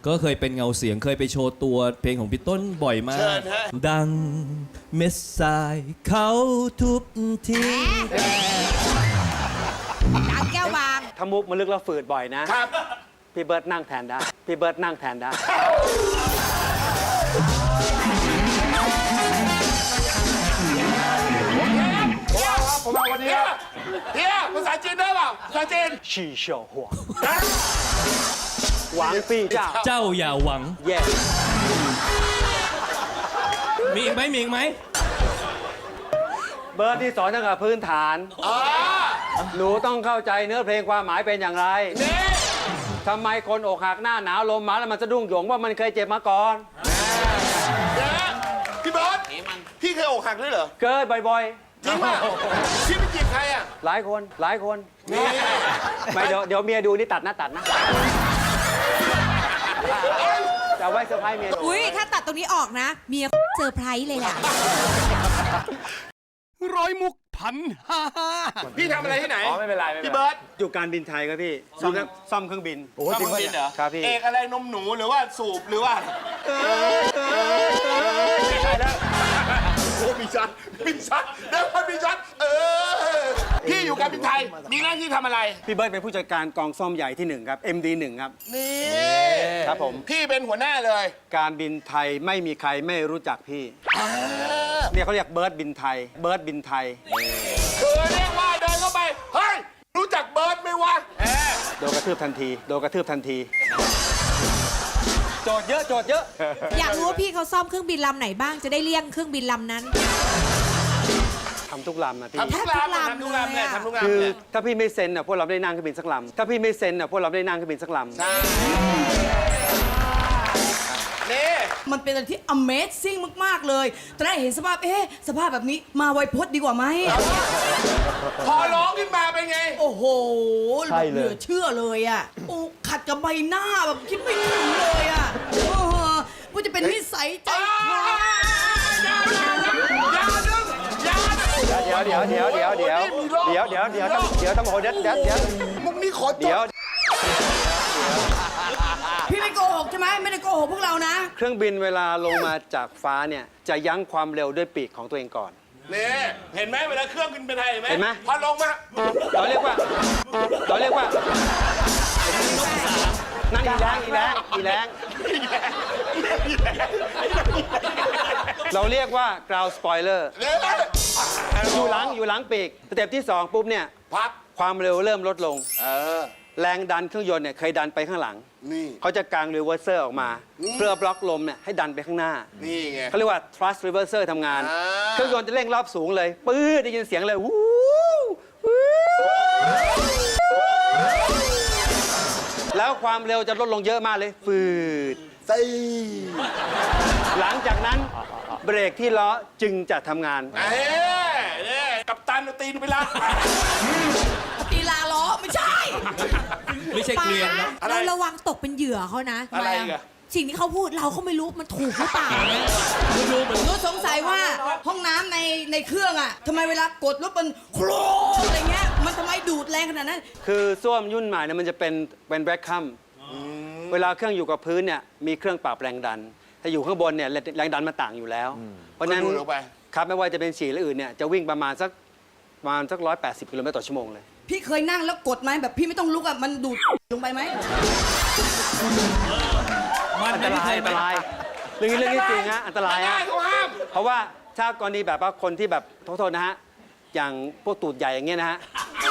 ก็เคยเป็นเงาเสียงเคยไปโชว์ตัวเพลงของพี่ต้นบ่อยมากเชิญฮะดังเม็ดทรายเขาทุบทิ้งดังแก้วบางถ้ามุกมันลึกแล้วฝืดบ่อยนะครับ พี่เบิร์ดนั่งแทนได้พี่เบิร์ดนั่งแทนได้ผมมาวันนี้เฮียภาษาจีนได้เปล่าภาษาจีนชีเฉียวหัวหวังปี้เจ้าเจ้าอย่าหวังแย่มีอีกไหมมีอีกไหมเบิร์ดที่สอนตั้งแต่พื้นฐานอ๋อหนูต้องเข้าใจเนื้อเพลงความหมายเป็นอย่างไรนี่ทำไมคนอกหักหน้าหนาวลมมาแล้วมันสะดุ้งโหยงว่ามันเคยเจ็บมาก่อนเดี๋ยวนะพี่เบิร์ตพี่เคยอกหักด้วยเหรอเกิดบ่อยจริงป่ะพี่ไปจีบใครอ่ะๆหลายคนไม่เดี๋ยวเมียดูนี่ตัดนะจะไว้เซอร์ไพรส์เมียอุ้ยถ้าตัดตรงนี้ออกนะ เมียเซอร์ไพรส์เลยล่ะร้อยมุกพันห้าพี่ทำอะไรที่ไหนอ๋อไม่เป็นไรพี่เบิร์ตอยู่การบินไทยครับพี่ซ่อมเครื่องบินทำเครื่องบินเหรอครับพี่เอกอะไรนมหนูหรือว่าสูบหรือว่าไม่ใช่แล้วโอ้มีชัดเดี๋ยวมันมีชัดพี่อยู่การบินไทยมีหน้าที่ทำอะไรพี่เบิร์ดเป็นผู้จัดการกองซ่อมใหญ่ที่1ครับ MD1 ครับนี่ครับผมพี่เป็นหัวหน้าเลยการบินไทยไม่มีใครไม่รู้จักพี่เนี่ยเขาเรียกเบิร์ดบินไทยคือเรียกว่าเดินเข้าไปเฮ้ยรู้จักเบิร์ดไหมวะโดนกระทืบทันทีโจทย์เยอะอยากรู้ว่าพี่เขาซ่อมเครื่องบินลำไหนบ้างจะได้เลี่ยงเครื่องบินลำนั้นทำทุกลำนะพี่ทำทุกลำทำทุกลำเลยทำทุกลำคือเลยถ้าพี่ไม่เซ็นอ่ะพวกเราได้นั่งเครื่องบินสักลำถ้าพี่ไม่เซ็นอ่ะพวกเราได้นั่งเครื่องบินสักลำใช่นี่มันเป็นอะไรที่ Amazing มาก ๆ เลยตอนแรกเห็นสภาพสภาพแบบนี้มาไวพจน์ดีกว่าไหมพอร้องขึ้นมาเป็นไงโอ้โหเหลือเชื่อเลยอ่ะโอ้ขัดกับใบหน้าแบบคิดไม่ถึงเลยอ่ะว่าจะเป็นนิสัยใจคอเดี๋ยวต้องโหเดี๋ยวมุกนี้ขอจเดี๋ยวบพี่ไม่โกหกใช่ไหมไม่ได้โกหกพวกเรานะเครื่องบินเวลาลงมาจากฟ้าเนี่ยจะยั้งความเร็วด้วยปีกของตัวเองก่อนนี่เห็นไหมเวลาเครื่องขึ้นเป็นไงเห็นไหมพอลงมาเราเรียกว่านั่นอีแรงเราเรียกว่า ground spoiler อยู่หลังปีกสเต็ปที่2ปุ๊บเนี่ยพักความเร็วเริ่มลดลงแรงดันเครื่องยนต์เนี่ยเคยดันไปข้างหลังนี่เขาจะกางรีเวอร์เซอร์ออกมาเพื่อบล็อกลมเนี่ยให้ดันไปข้างหน้านี่ไงเขาเรียกว่า thrust reverser ทำงานอ่าเครื่องยนต์จะเร่งรอบสูงเลยปื๊ดได้ยินเสียงเลยวู้แล้วความเร็วจะลดลงเยอะมากเลยฟืดใส่หลังจากนั้นเบรกที่ล้อจึงจะทำงานเนี่ยกับตันเอาตีนไปละตีลาล้อไม่ใช่ไม่ใช่เกลียงนะอะไรเราระวังตกเป็นเหยื่อเขานะอะไรอีกอะสิ่งที่เขาพูดเราก็ไม่รู้มันถูกหรือเปล่านะหนูสงสัยว่าห้องน้ำในเครื่องอ่ะทำไมเวลากดแล้วมันโครอะไรเงี้ยมันทำไมดูดแรงขนาดนั้นคือส้วมยุ่นใหม่เนี่ยมันจะเป็นแบล็คคัมเวลาเครื่องอยู่กับพื้นเนี่ยมีเครื่องปรับแรงดันถ้าอยู่ข้างบนเนี่ยแรงดันมันต่างอยู่แล้ว เพราะฉะนั้นก็ดูดลงไปครับไม่ว่าจะเป็นฉี่หรืออื่นเนี่ยจะวิ่งประมาณสัก180 กิโลเมตรต่อชั่วโมงเลยพี่เคยนั่งแล้วกดไหมแบบพี่ไม่ต้องลุกอ่ะมันดูดลงไปไหมอันตรายเรื่องนี้จริงฮะอันตรายได้ฮะเขาห้ามเพราะว่าถ้ากรณีแบบว่าคนที่แบบโทษนะฮะอย่างพวกตูดใหญ่อย่างเงี้ยนะฮะ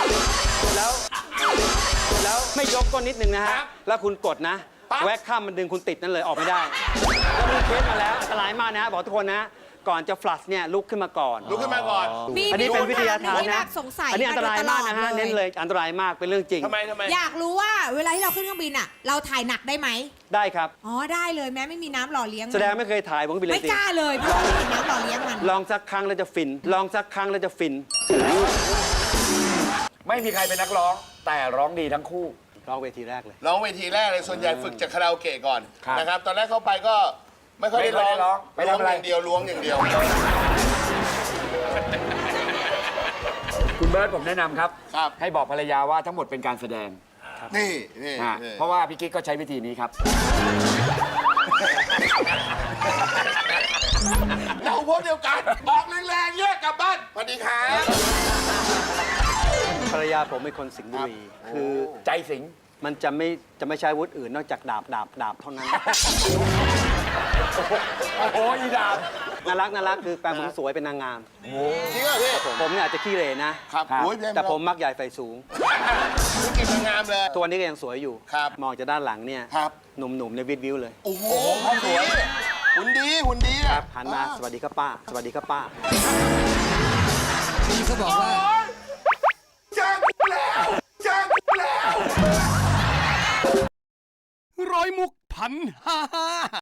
แล้วไม่ยกก้นนิดนึงนะฮะแล้วคุณกดนะแวกข้ามมันดึงคุณติดนั่นเลยออกไม่ได้แล้วมีเคสมาแล้วอันตรายมากนะบอกทุกคนนะก่อนจะฟลัชเนี่ยลุกขึ้นมาก่อนลุกขึ้นมาก่อนอันนี้เป็นวิทยาทานมีนะแบบสงสัยอันนี้อันตรายมากนะฮะโดยตลอดเน้นเลยอันตรายมากเป็นเรื่องจริงทำไมอยากรู้ว่าเวลาที่เราขึ้นเครื่องบินอ่ะ เราถ่ายหนักได้ไหมได้ครับอ๋อได้เลยแม้ไม่มีน้ำหล่อเลี้ยงมันแสดงไม่เคยถ่ายผมก็ไปเลไม่ยสิกล้าเลยเพราะว่าไม่มีน้ำหล่อเลี้ยงมันลองสักครั้งแล้วจะฟินไม่มีใครเป็นนักร้อง แต่ร้องดีทั้งคู่ร้องเวทีแรกเลยร้องเวทีแรกเลยส่วนใหญ่ฝึกจากคาราโอเกะก่อนครับนะครับตอนแรกเข้าไปก็ไม่ค่อยได้ร้องไม่ค่อยได้ร้องไปทำอะไรล้วงอย่างเดียวคุณเบิร์ตผมแนะนำครับครับให้บอกภรรยาว่าทั้งหมดเป็นการแสดงนี่นี่ฮะนี่เพราะว่าพี่กิ๊กก็ใช้วิธีนี้ครับเราพวกเดียวกันบอกแรงๆเนี่ยกลับบ้านสวัสดีครับภรรยาผมเป็นคนสิงห์บุรีคือใจสิงมันจะไม่ใช้อาวุธอื่นนอกจากดาบเท่านั้นโอ้โหอีดาบน่ารักคือแฟนผมสวยเป็นนางงามจริงเหรอพี่ผมเนี่ยอาจจะขี้เหร่นะครับครับโอ้ยพี่แต่ผมมักใหญ่ไฟสูงธุรกิจนางงามเลยตัวนี้ก็ยังสวยอยู่ครับมองจากด้านหลังเนี่ยครับหนุ่มๆในวิดวิวเลยโอ้โหหุ่นดีหุ่นดีหุ่นดีอะหันมาสวัสดีครับป้า สวัสดีครับป้าพี่เขาบอกว่าจ้างแล้วจ้างแล้วร้อยมุกพันห้า